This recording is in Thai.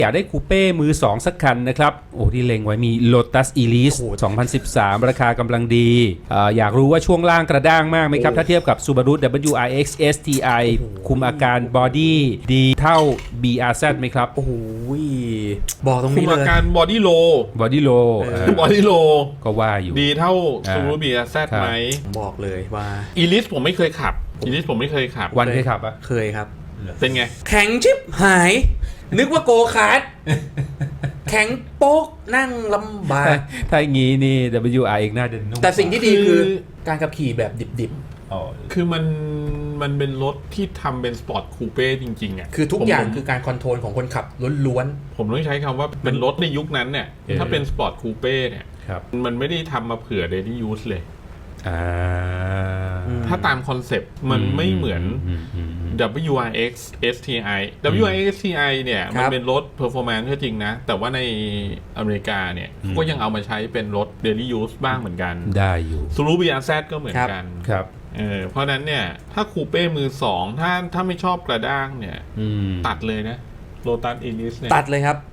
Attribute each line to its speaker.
Speaker 1: อยากได้คูเป้มือ 2 สักคันนะครับโอ้ที่เล็งไว้มี Lotus Elise 2013 ราคากำลังดีอยากรู้ว่าช่วงล่างกระด้างมากไหมครับถ้าเทียบกับ Subaru WRX STI คุมอาการบอดี้ดีเท่า BRZ ไหมครับ
Speaker 2: โอ้โหบอกตรง
Speaker 3: คุ
Speaker 2: นี้
Speaker 3: ม
Speaker 2: เล
Speaker 3: อาย การบอดี้โล
Speaker 1: บอดี้โล
Speaker 3: บอดี้โล
Speaker 1: ก็ว่าอยู่
Speaker 3: ดีเท่า
Speaker 1: อ่า
Speaker 3: ซูรูบีอาร์แซด
Speaker 1: ครับ
Speaker 3: ไหม
Speaker 2: ผมบอกเลยว่า
Speaker 3: อีลิสผมไม่เคยขับอีลิสผมไม่เคยขับ
Speaker 1: วันเคยขับปะ
Speaker 2: เคยครับ
Speaker 3: เป็นไง
Speaker 2: แข็งชิบหาย นึกว่าโกคาร์ดแข็งโป๊กนั่งลำบาก
Speaker 1: ถ้าอย่างงี้นี่ WRX น่าจะนุ่ม
Speaker 2: แต่สิ่งที่ดีคือการขับขี่แบบดิบ
Speaker 1: อ๋อ
Speaker 3: คือมันเป็นรถที่ทำเป็นสปอร์ตคูเป้จริงๆอ่ะ
Speaker 2: ๆ คือทุกอย่าง
Speaker 3: ผม
Speaker 2: คือการคอนโทรลของคนขับล้วน
Speaker 3: ผมต้องใช้คำว่าเป็นรถในยุคนั้นเนี่ยถ้าเป็นสปอร์ตคูเป้เนี่ย
Speaker 1: ครับ
Speaker 3: มันไม่ได้ทำมาเผื่อเดลี่ยูสเลย
Speaker 1: อ่า
Speaker 3: ถ้าตามคอนเซปต์มันไม่เหมือน WRX STI WRX STI เนี่ยมันเป็นรถ performance ก็จริงนะ แต่ว่าในอเมริกาเนี่ยก็ยังเอามาใช้เป็นรถ daily use บ้างเหมือนกัน
Speaker 1: ได้อยู่
Speaker 3: ซูรูบีอาร์แซดก็เหมือนกัน
Speaker 1: ครับ
Speaker 3: เพราะนั้นเนี่ยถ้าคูเป้มือ 2ถ้าไม่ชอบกระด้างเนี่ยตัดเลยนะโ o ตัสอีลิสเนี่ย
Speaker 2: ๆ ตัดเลยครับ